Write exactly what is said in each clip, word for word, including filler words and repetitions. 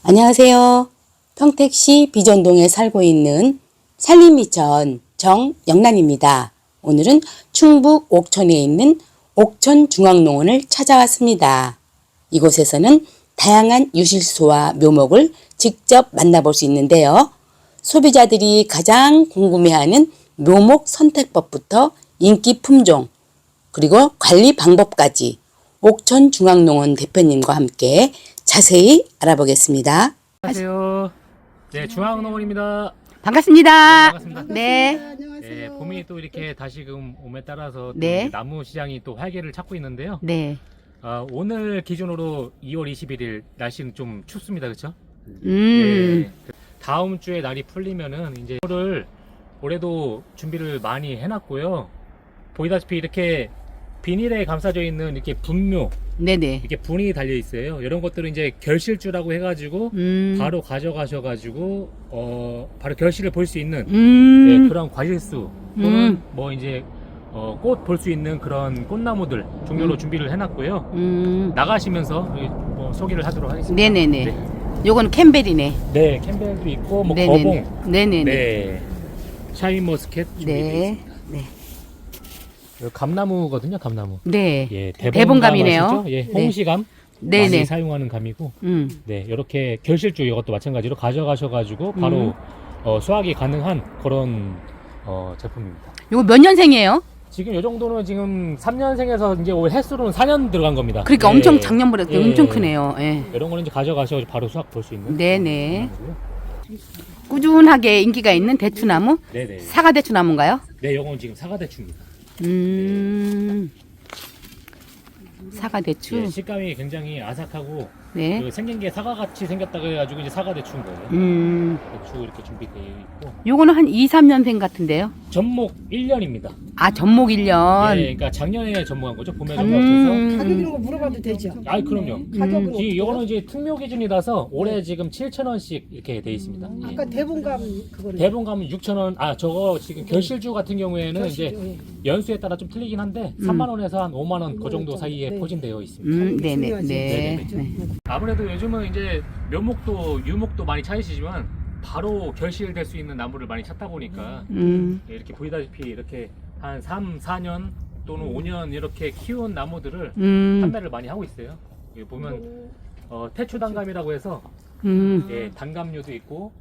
안녕하세요. 평택시 비전동에 살고 있는 산림미천 정영란입니다. 오늘은 충북 옥천에 있는 옥천중앙농원을 찾아왔습니다. 이곳에서는 다양한 유실소와 묘목을 직접 만나볼 수 있는데요. 소비자들이 가장 궁금해하는 묘목 선택법부터 인기 품종, 그리고 관리 방법까지 옥천중앙농원 대표님과 함께 자세히 알아보겠습니다. 안녕하세요. 네, 중앙농원입니다. 반갑습니다. 네, 반갑습니다. 네. 네, 봄이 또 이렇게 다시금 옴에 따라서 또 네. 나무 시장이 또 활기를 찾고 있는데요. 네. 아, 오늘 기준으로 이월 이십일일 날씨는 좀 춥습니다, 그렇죠? 음. 네. 다음 주에 날이 풀리면은 이제 이거를 올해도 준비를 많이 해놨고요. 보이다시피 이렇게 비닐에 감싸져 있는 이렇게 분묘, 네네. 이렇게 분이 달려 있어요. 이런 것들은 이제 결실주라고 해가지고 음. 바로 가져가셔가지고 어 바로 결실을 볼 수 있는 음. 예, 그런 과실수 또는 음. 뭐 이제 어, 꽃 볼 수 있는 그런 꽃나무들 종류로 음. 준비를 해놨고요. 음. 나가시면서 이, 뭐 소개를 하도록 하겠습니다. 네네네. 네, 요건 캠벨이네. 네, 캠벨도 있고 뭐 네네네. 거봉, 네네네. 네, 샤인머스켓 준비되어 네. 있습니다. 네. 이거 감나무거든요, 감나무. 네. 예, 대봉감이네요. 아시죠? 예, 네. 홍시감 네네. 많이 사용하는 감이고. 음. 네, 이렇게 결실주 이것도 마찬가지로 가져가셔가지고 바로 음. 어, 수확이 가능한 그런 어, 제품입니다. 요거 몇 년생이에요? 지금 이 정도는 지금 삼 년생에서 이제 올 횟수로는 사 년 들어간 겁니다. 그러니까 네. 엄청 작년보다 예. 엄청 크네요. 예. 이런 거는 이제 가져가셔서 바로 수확 볼 수 있는. 네네. 거고요. 꾸준하게 인기가 있는 대추나무? 네네. 사과 대추나무인가요? 네, 이건 지금 사과대추입니다. 음. 사과 대추. 예, 식감이 굉장히 아삭하고 네. 그 생긴 게 사과같이 생겼다고 해가지고 이제 사과대추인 거예요. 음. 대추 이렇게 준비되어 있고 요거는 한 이, 삼 년생 같은데요. 전목 일 년입니다. 아, 전목 일 년. 예, 그러니까 작년에 전목한 거죠. 봄에 음. 전목해서. 가격 이런 거 물어봐도 되죠? 아, 그럼요. 가격은 이 어때요? 요거는 이제 특묘 기준이라서 올해 지금 칠천 원씩 이렇게 돼 있습니다. 예. 아까 대본감 그거는 대본 가면 육천 원. 아, 저거 지금 결실주 같은 경우에는 이제 예. 연수에 따라 좀 틀리긴 한데 삼만 원에서 한 오만 원 그 정도 사이에 네. 포진되어 있습니다. 음, 네네. 중요하지. 네. 네네. 네. 아무래도 요즘은 이제 묘목도 유목도 많이 찾으시지만 바로 결실될 수 있는 나무를 많이 찾다 보니까 음. 이렇게 보이다시피 이렇게 한 삼, 사 년 또는 오 년 이렇게 키운 나무들을 음. 판매를 많이 하고 있어요. 여기 보면 어, 태추 단감이라고 해서 음. 예, 단감류도 있고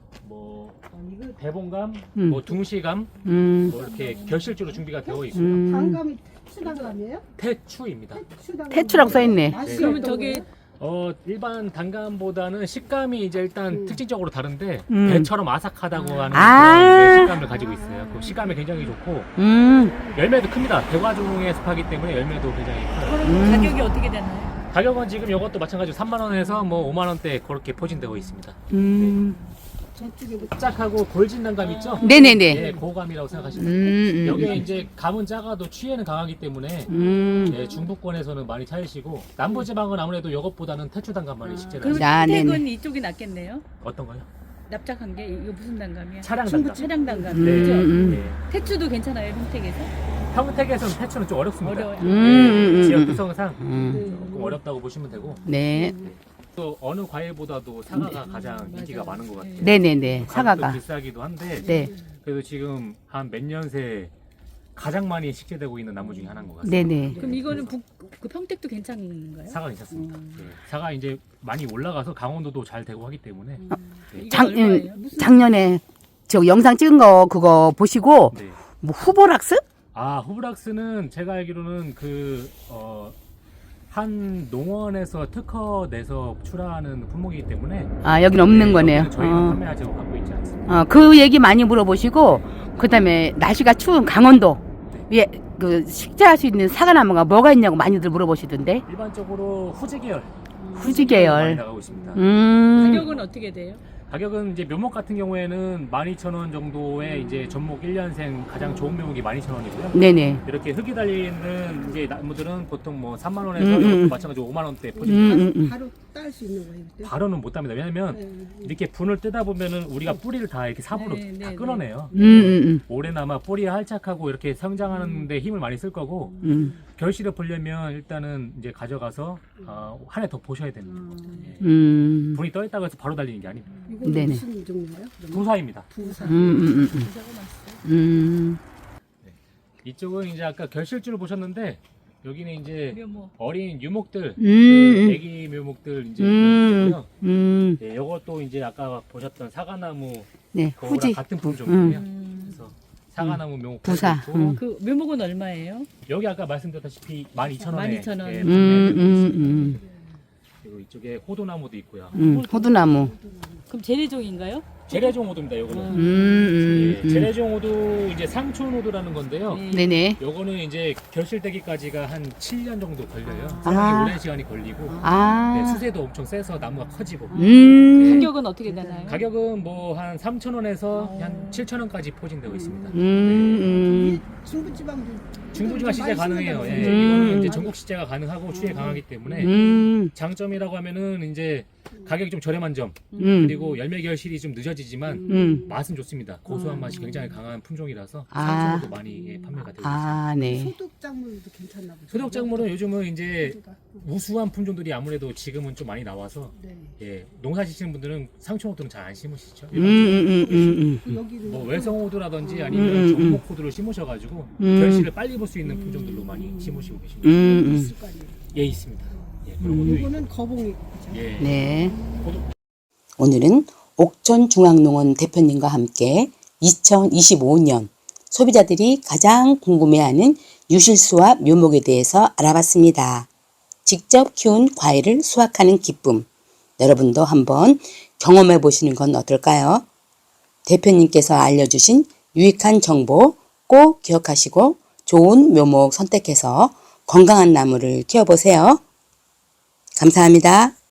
뭐 아, 이거 대봉감, 음. 뭐 둥시감 음. 뭐 이렇게 결실주로 준비가 되어 있고요. 음. 단감이 추단감이에요? 태추입니다. 추단감. 태추라고 써있네. 맛이 그러면 어떤 저기 거예요? 어 일반 단감보다는 식감이 이제 일단 음. 특징적으로 다른데 음. 배처럼 아삭하다고 하는 아. 그런 네, 식감을 가지고 있어요. 그 식감이 굉장히 좋고 음. 열매도 큽니다. 대과종의 숲하기 때문에 열매도 굉장히 커요. 그럼 음. 가격이 어떻게 되나요? 가격은 지금 이것도 마찬가지로 삼만 원에서 뭐 오만 원대 그렇게 포진되고 있습니다. 음. 저쪽에 뭐 짝하고 골진 단감 있죠? 네네네. 예, 고감이라고 생각하시면 음. 돼요. 음. 여기에 이제 감은 작아도 취에는 강하기 때문에 음. 예, 중부권에서는 많이 찾으시고 남부지방은 아무래도 이것보다는 태추 단감 많이 식재를 그럼 하시죠. 아, 택은 네네. 이쪽이 낫겠네요. 어떤 거요? 납작한 게 이거 무슨 단감이야? 차량 중부 단감. 차량 단감. 음. 네. 그죠? 음. 예. 태추도 괜찮아요, 평택에서? 평택에서는 태추는 좀 어렵습니다. 어려워요. 음. 예, 음. 지역 음. 특성상 음. 조금 어렵다고 보시면 되고 네. 또 어느 과일보다도 사과가 가장 인기가 많은 것 같아요. 네네네. 가격도 사과가. 비싸기도 한데 네. 그래도 지금 한 몇 년 새 가장 많이 식재되고 있는 나무 중에 하나인 것 같습니다. 네네. 그럼 이거는 북, 그 평택도 괜찮은가요? 사과 괜찮습니다. 음. 예, 사과 이제 많이 올라가서 강원도도 잘 되고 하기 때문에 예. 이게 장, 얼마예요? 음, 무슨 작년에 저 영상 찍은 거 그거 보시고 네. 뭐 후보락스? 아 후브락스는 제가 알기로는 그 어, 한 농원에서 특허 내서 출하하는 품목이기 때문에 아, 여긴 없는 네, 거네요. 여기는 저희가 어. 판매하지 갖고 있지 않습니다. 어, 그 얘기 많이 물어보시고 그다음에 날씨가 추운 강원도 예, 그 식재할 수 있는 사과나무가 뭐가 있냐고 많이들 물어보시던데. 일반적으로 후지 계열 후지 많이 계열. 나가고 있습니다. 음. 가격은 어떻게 돼요? 가격은 이제 묘목 같은 경우에는 만 이천 원 정도의 이제 전목 일 년생 가장 좋은 묘목이 만 이천 원이고요. 네네. 이렇게 흙이 달리는 이제 나무들은 보통 뭐 삼만 원에서 음, 음, 이것도 음. 마찬가지로 오만 원대 음, 포진입니다. 음, 음. 바로 딸 수 있는 거예요, 그때? 바로는 못 답니다. 왜냐면 네. 이렇게 분을 뜨다 보면은 우리가 뿌리를 다 이렇게 삽으로 네, 네, 다 네. 끊어내요. 음, 음, 오래나마 뿌리가 활착하고 이렇게 성장하는데 힘을 많이 쓸 거고 음. 음. 결실을 보려면 일단은 이제 가져가서 어, 한 해 더 보셔야 됩니다. 예. 음. 분이 떠 있다고 해서 바로 달리는 게 아닙니다. 이건 네네. 무슨 종류예요? 그러면? 부사입니다. 부사. 음, 음, 음, 음. 부사가 맛있어요. 음. 이쪽은 이제 아까 결실줄을 보셨는데 여기는 이제 묘목. 어린 유목들, 음. 그 애기 묘목들 이제 음. 있고요. 음. 예, 이것도 이제 아까 보셨던 사과나무 네, 그거랑 후지. 같은 품종이에요. 음. 그래서 사과나무 묘목 부사. 있고 음. 그 묘목은 얼마예요? 여기 아까 말씀드렸다시피 만 이천 원에 만 이천 원. 예, 음, 판매되고 음, 있습니다. 음. 그리고 이쪽에 호두나무도 있고요. 음. 호두나무. 그럼 재래종인가요? 재래종 호두입니다. 요거는. 음, 음, 예, 음. 재래종 호두 이제 상촌 호두라는 건데요. 네. 네네. 요거는 이제 결실되기까지가 한 칠 년 정도 걸려요. 아. 상당히 오랜 시간이 걸리고 아. 네, 수세도 엄청 세서 나무가 커지고 음. 가격은 어떻게 되나요? 가격은 뭐 한 삼천 원에서 어. 한 칠천 원까지 포진되고 있습니다. 음. 음. 이게 중부지방도 중부지방 시제 많이 가능해요. 예, 쓰는다고 음. 이거는 이제 전국 시제가 가능하고 추에 강하기 때문에 음. 장점이라고 하면은 이제 가격이 좀 저렴한 점 음. 그리고 열매 결실이 좀 늦어지지만 음. 맛은 좋습니다. 고소한 맛이 굉장히 강한 품종이라서 아. 상품으로도 많이 예, 판매가 되고 있습니다. 아, 네. 소독 작물도 괜찮나 보죠. 소독 작물은 요즘은 이제 소독가. 우수한 품종들이 아무래도 지금은 좀 많이 나와서 네. 예, 농사 지시는 분들은 상추호두는 잘 안 심으시죠. 음, 음, 음, 음, 그 여기는 뭐 외성호두라든지 아니면 음, 음, 음. 전목호두를 심으셔가지고 음. 결실을 빨리 볼 수 있는 품종들로 많이 심으시고 계십니다. 음, 음. 있을 거 아니에요. 예, 있습니다. 예, 그런 음. 것도 있고. 이거는 거봉이 그죠? 예. 네. 오늘은 옥천중앙농원 대표님과 함께 이천이십오 년 소비자들이 가장 궁금해하는 유실수와 묘목에 대해서 알아봤습니다. 직접 키운 과일을 수확하는 기쁨, 여러분도 한번 경험해 보시는 건 어떨까요? 대표님께서 알려주신 유익한 정보 꼭 기억하시고 좋은 묘목 선택해서 건강한 나무를 키워보세요. 감사합니다.